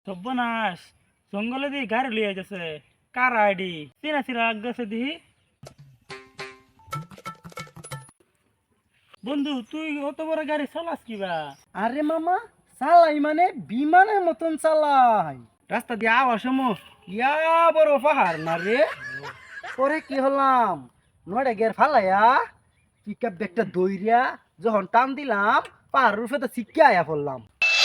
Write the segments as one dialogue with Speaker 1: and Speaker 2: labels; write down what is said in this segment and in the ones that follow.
Speaker 1: সর্বনাশ, জঙ্গলে দিয়ে গাড়ি লিয়ে যাচ্ছে। কার আইডি চিনা চিনা গেছে দিহি। বন্ধু তুই অত বড় গাড়ি চালাস কিবা?
Speaker 2: আরে মামা, চালাই মানে বিমানের মতন চালাই। রাস্তা দিয়ে আওয়ার সময় ইয়া বড় পাহাড় না রে। পরে কি হলাম, নড়ে গের ফালাইয়া পিকআপ ব্যাগটা দইরা যখন টান দিলাম, পাহাড়ের উপরে তো শিক্ষা আয়া পড়লাম।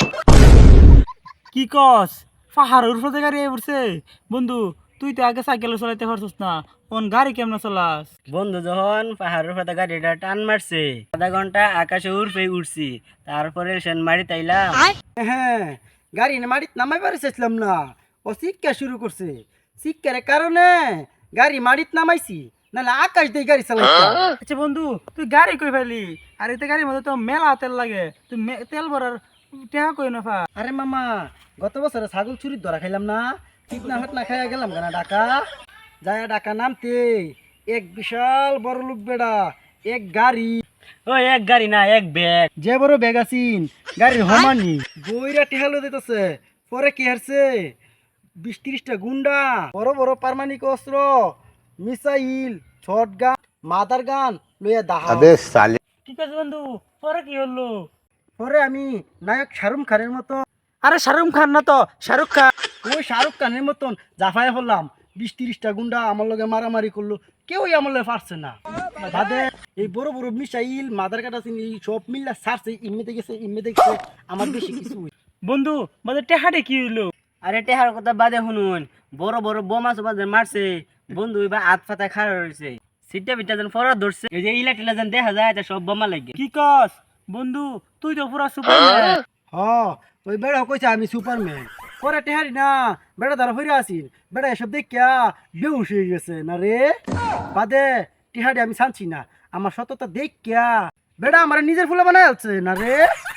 Speaker 1: কি কস, পাহাড়ের উপরে গাড়ি আই পড়ছে? বন্ধু তুই তো আগে সাইকেল চালাইতে পারছিস না, কোন গাড়ি কেমন চালাস?
Speaker 3: বন্ধু যখন পাহাড়ের উপরে গাড়িটা টান মারছে, আধা ঘন্টা আকাশে উড়ছি। তারপরে সেন মারি তাইলাম।
Speaker 2: হ্যাঁ, গাড়ি মাটিত নামাই পারিছিলাম না, ও শিক্ষা শুরু করছে। শিক্ষার কারণে গাড়ি মাটিত নামাইছি, নাহলে আকাশ দিয়ে গাড়ি চালাইতাম।
Speaker 1: আচ্ছা বন্ধু, তুই গাড়ি কই ফেলি? আর এতে গাড়ির মধ্যে তো মেলা তেল লাগে, তুই তেল ভরার টেহা কই না পা?
Speaker 2: আরে মামা, গত বছরে ছাগল চুরির ধরা খাইলাম না, চিকনা হাট না খাইয়া গেলাম কেনা ঢাকা। যায় ঢাকা নামতে এক বিশাল বড় লোক বেড়া এক গাড়ি,
Speaker 3: ওই এক গাড়ি না, এক ব্যাগ।
Speaker 2: যে বড় ব্যাগ আছিন গাড়ির হমানি বইরা টেহালো দিতেছে। পরে কি হারছে 20-30টা গুন্ডা, বড় বড় পারমাণিক অস্ত্র, মিসাইল, শটগান, মাদার গান লইয়া দাহা।
Speaker 1: ঠিক আছে বন্ধু, পরে কি হলো?
Speaker 2: পরে আমি নায়ক শাহরুখ খানের মতো,
Speaker 1: আরে শাহরুখ খান না তো, শাহরুখ খান।
Speaker 2: ওই শাহরুখ খানের মতন জাফায় হলাম। 20-30টা গুন্ডা আমার লগে মারামারি করলো, কেউই আমার লগে পারছে না। বাদে এই বড় বড় মিসাইল মাদার কাটা সব মিল্লা সারছে, ইমেতে গেছে আমার বেশি কিছু হইছে।
Speaker 1: বন্ধু মানে টেহাটে কি হইলো?
Speaker 3: আরে টেহার কথা বাদে শুনুন, বড় বড় বোমা সোমা যে মারছে, বন্ধু এবার হাত ফাতায় খাড়া রয়েছে। সিটটা বিটটা যেন ফরা ধরছে, এই যে ইলা টিলা যেন দেখা যায়, এটা সব বোমা লাগে।
Speaker 1: কি কস বন্ধু, তুই তো পুরা সুপারম্যান।
Speaker 2: হ, ওই বেড়া কইছে আমি সুপারম্যান। পরে টেহারি না, বেড়া দ্বারা হইরা আসিল, বেড়া এসব দেখিয়া বেউস হয়ে গেছে না রে। বাদে টেহারি আমি ছানছি না, আমার সততা দেখিয়া বেড়া আমার নিজের ফুলে বানাই আছে না রে।